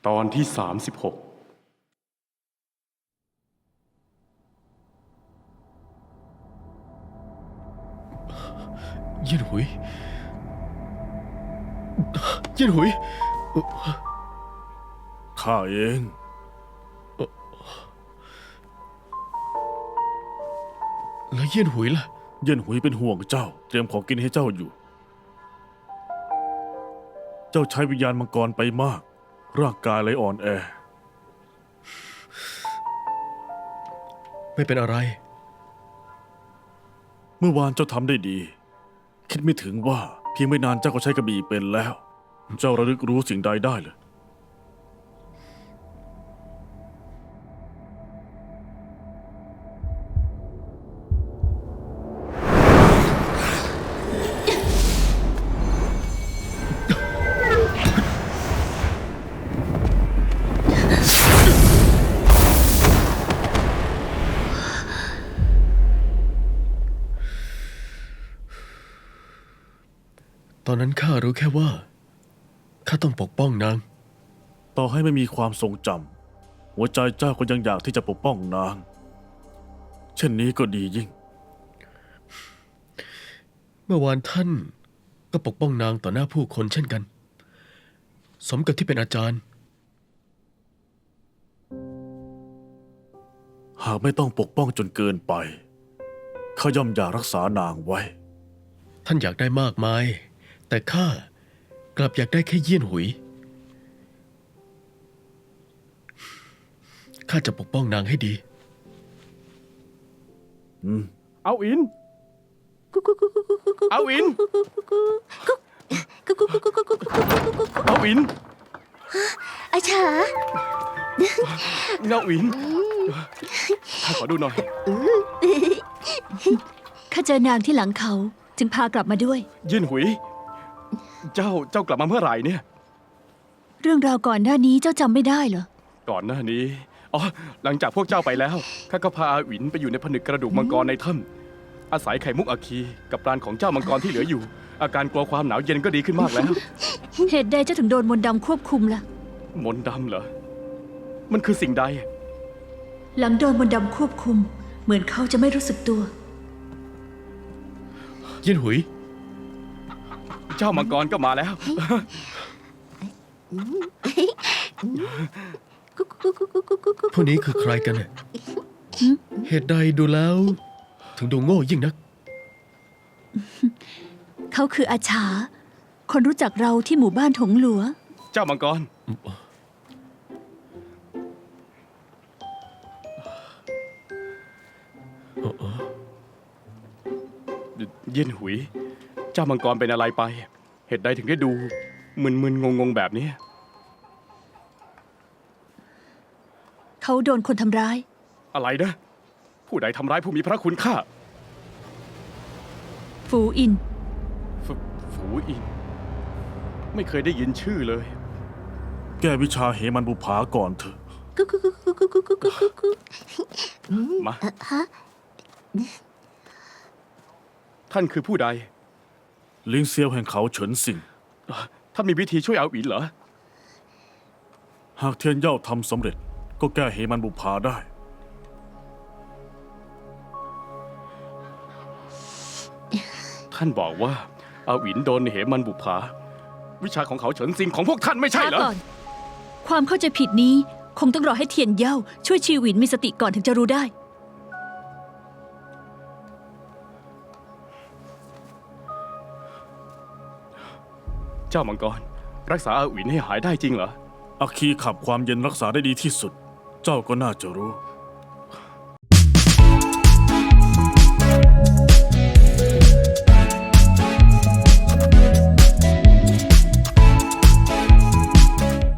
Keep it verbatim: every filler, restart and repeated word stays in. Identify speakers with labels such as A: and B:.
A: ตอนที่สามสิบหก
B: เยี่ยนหุยเยี่ยนหุย
C: ข้าเอง
B: แล้วเยี่ยนหุยล่ะ
C: เย็นหุยเป็นห่วงเจ้าเตรียมของกินให้เจ้าอยู่ เจ้าใช้วิญญาณมังกรไปมากร่างกายเลยอ่อนแอ
B: ไม่เป็นอะไร
C: เมื่อวานเจ้าทำได้ดี คิดไม่ถึงว่าเพียงไม่นานเจ้าก็ใช้กระบี่เป็นแล้ว เจ้าระลึกรู้สิ่งใดได้เลย
B: ตอนนั้นข้ารู้แค่ว่าข้าต้องปกป้องนาง
C: ต่อให้ไม่มีความทรงจำหัวใจเจ้าก็ยังอยากที่จะปกป้องนาง เช่นนี้ก็ดียิ่ง
B: เมื่อวานท่านก็ปกป้องนางต่อหน้าผู้คนเช่นกัน สมกับที่เป็นอาจารย์
C: หากไม่ต้องปกป้องจนเกินไปข้าย่อมอยากรักษานางไว้
B: ท่านอยากได้มากมายแต่ข้ากลับอยากได้แค่เยี่ยนหุยข้าจะปกป้องนางให้ดี
C: อืม
A: เอาอิน เอาอิน เอาอิน
D: อาชา
A: เอาอินข้าขอดูหน่อย
D: ข้าเจอนางที่หลังเขาจึงพากลับมาด้วย
A: ยินหุย เจ้า เจ้ากลับมาเมื่อไหร่เนี่ย
D: เรื่องราวก่อนหน้านี้เจ้าจำไม่ได้เหรอ
A: ก่อนหน้านี้ อ๋อ หลังจากพวกเจ้าไปแล้ว ข้าก็พาอาหวินไปอยู่ในผนึกกระดูกมังกรในถ้ำอาศัยไข่มุกอาคีกับปราณของเจ้ามังกรที่เหลืออยู่ อาการกลัวความหนาวเย็นก็ดีขึ้นมากแล้ว
D: เหตุใดเจ้าถึงโดนมนต์ดำควบคุมล่ะ
A: มนต์ดำเหรอ มันคือสิ่งใด
D: หลังโดนมนต์ดำควบคุม เหมือนเขาจะไม่รู้สึกตัว
B: เยี่ยนหุย
A: เจ้ามังกรก็มาแล้ว
B: พวกนี้คือใครกันเนี่ยเหตุใดดูแล้ว ถึงดูโง่ยิ่งนัก
D: เขาคืออาชา คนรู้จักเราที่หมู่บ้านถงหลัว
A: เจ้ามังกร เย็นหุย เจ้ามังกรเป็นอะไรไป เหตุใดถึงได้ดูมึนๆงงๆแบบนี้
D: เขาโดนคนทำร้าย
A: อะไรนะ ผู้ใดทำร้ายผู้มีพระคุณข้า
D: ฟูอิน
A: ฝฝูอิน ไม่เคยได้ยินชื่อเลย
C: แก้วิชาเหมันบุภาก่อนเถอะ
A: มา ท่านคือผู้ใด
C: ลิงเซียวแห่งเขาเฉินสิง
A: ท่านมีวิธีช่วยเอาอินเหรอ
C: หากเทียนเย่าทำสำเร็จก็แก้เหมันบุภาได้
A: ท่านบอกว่าอาหวินโดนเหมันบุภาวิชาของเขาเฉินซิงของพวกท่านไม่ใช่เหรอ
D: ช้าก่อน ความเข้าใจผิดนี้คงต้องรอให้เทียนเย่าช่วยชีวินมีสติก่อนถึงจะรู้ได้
A: เจ้ามังกร รักษาอาหวินให้หายได้จริงเหรอ
C: อาคีขับความเย็นรักษาได้ดีที่สุด เจ้าก็น่าจะรู้